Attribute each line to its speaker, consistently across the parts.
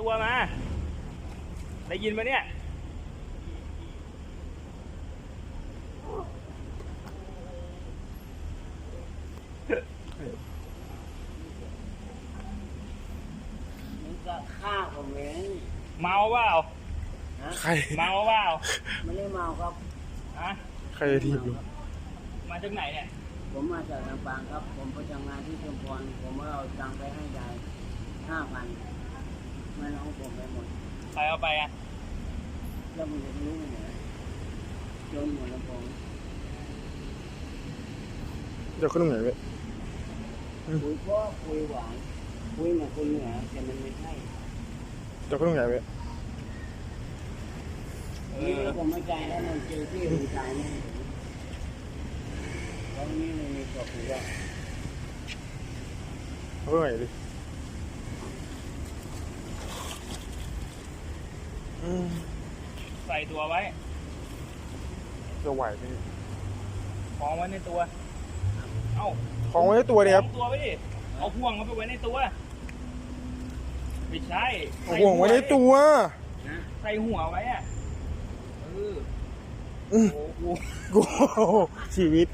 Speaker 1: ตัวมาได้ยินไหมเนี่ย
Speaker 2: มึงก็ฆ่าผมเอง
Speaker 1: เมาเปล่า
Speaker 3: ใคร
Speaker 1: เมาเปล่า
Speaker 2: ไม่ได้เมาครับ
Speaker 1: ฮะ
Speaker 3: ใครจะทีบลุง
Speaker 1: มาจากไหนเนี่ย
Speaker 2: ผมมาจากลำปางครับ ผมไปทำงานที่ชุมพรผมเอาตังค์ไปให้ยาย5,000แม่น้องผมไปหมด
Speaker 1: ใครเอาไปอ่ะ
Speaker 2: แล้วมึงจะรู้ไหมเนี่ยจนหมดแล้วผม
Speaker 3: เดี๋ยวขึ้นตรงไหนเว้ย
Speaker 2: คุยก็คุยหวานคุยเหมือนคนเหนือแต่มันไม่ใช่
Speaker 3: เดี๋ยวขึ้นตรงไหนเว้ย
Speaker 2: นี่ผมไม่ใจแล้วมันเจอที่หัวใจนี่ตอนนี้มันมีตัวคุยว่า
Speaker 3: เอาขึ้นตรงไหนดิ
Speaker 1: ใส่ตัวไว้
Speaker 3: จะไหวไหม
Speaker 1: คล้องไว้ในตัวเอ้า
Speaker 3: ของไว้ในตัวเดียครับ
Speaker 1: คล้องตัวไว้ดิเอาห่วงเขาไปไว้ในตัวไม่ใช่
Speaker 3: เอาห่วงไว้ในตัว
Speaker 1: ใส่หัวไว้อะเออ
Speaker 3: อืม
Speaker 1: โอ้โห
Speaker 3: กูชีวิต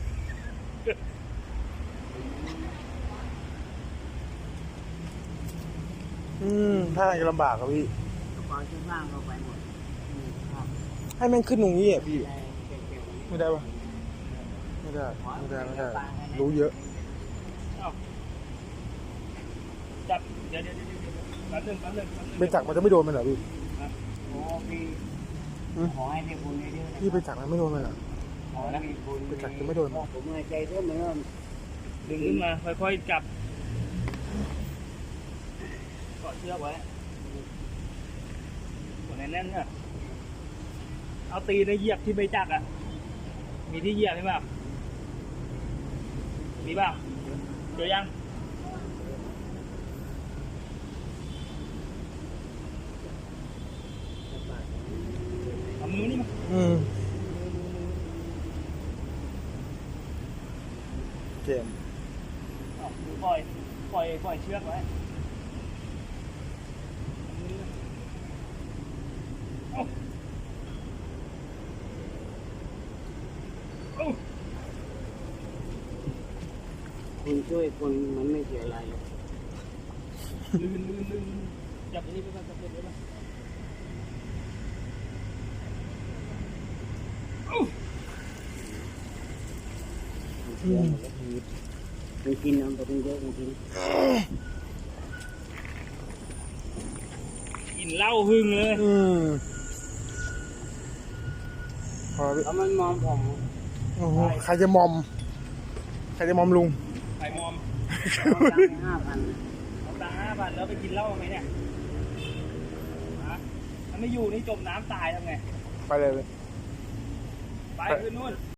Speaker 3: ถ้าจะลำบากครับพี่
Speaker 2: กระเป๋าเสื้อผ้าเราไปหมดครับ
Speaker 3: ให้แม่งขึ้นตรงนี้อ่ะพี่
Speaker 2: ได้เก็บๆ
Speaker 3: ไม่ได้ปะไม่ได้รู้เยอะ
Speaker 1: เอ้าจับเดี๋ยวแป๊บนึง
Speaker 3: ไปจักมันจะไม่โดนมันเหรอพี่
Speaker 2: โอ้พี่ขอให้ได้บุญเยอะๆนะ
Speaker 3: พี่ไปจักมันไม่โดนมันเหรอ
Speaker 2: ขอให้มีบุญ
Speaker 3: ไปจักจะไม่โดน
Speaker 2: ผมหายใจเท่าเหมือนกัน
Speaker 1: ดึงขึ้นมาค่อยๆจับเกาะเชือกไว้กดแน่นๆเนี่ยเอาตีนเหยียบที่ใบจักรอ่ะมีที่เหยียบใช่ป่ะมีป่ะเจอยังเอามือนี่มา
Speaker 3: เกม
Speaker 1: เอาปล่อยเชือกไว้เอาเอา
Speaker 2: คุณช่วยคนมันไม่เสียอะไร
Speaker 1: ลื่นจับอันนี้ไปก่อนจับเด็กไว้ก่อนเอา
Speaker 2: มันกินน้ำไปตั้งเยอะจริง
Speaker 1: กินเหล้าหึงเลย
Speaker 3: พอพี่
Speaker 2: ๆแล้วมันมองผม
Speaker 3: โอ้โหใครจะมอมลุง
Speaker 1: ไข่มอม
Speaker 2: เอาตังค์5,000
Speaker 1: เอาตังค์5,000แล้วไปกินเหล้าไหมเนี่ยฮะถ้าไม่อยู่นี่จมน้ำตายทำไง
Speaker 3: ไปเลย
Speaker 1: ไปขึ้นนู่น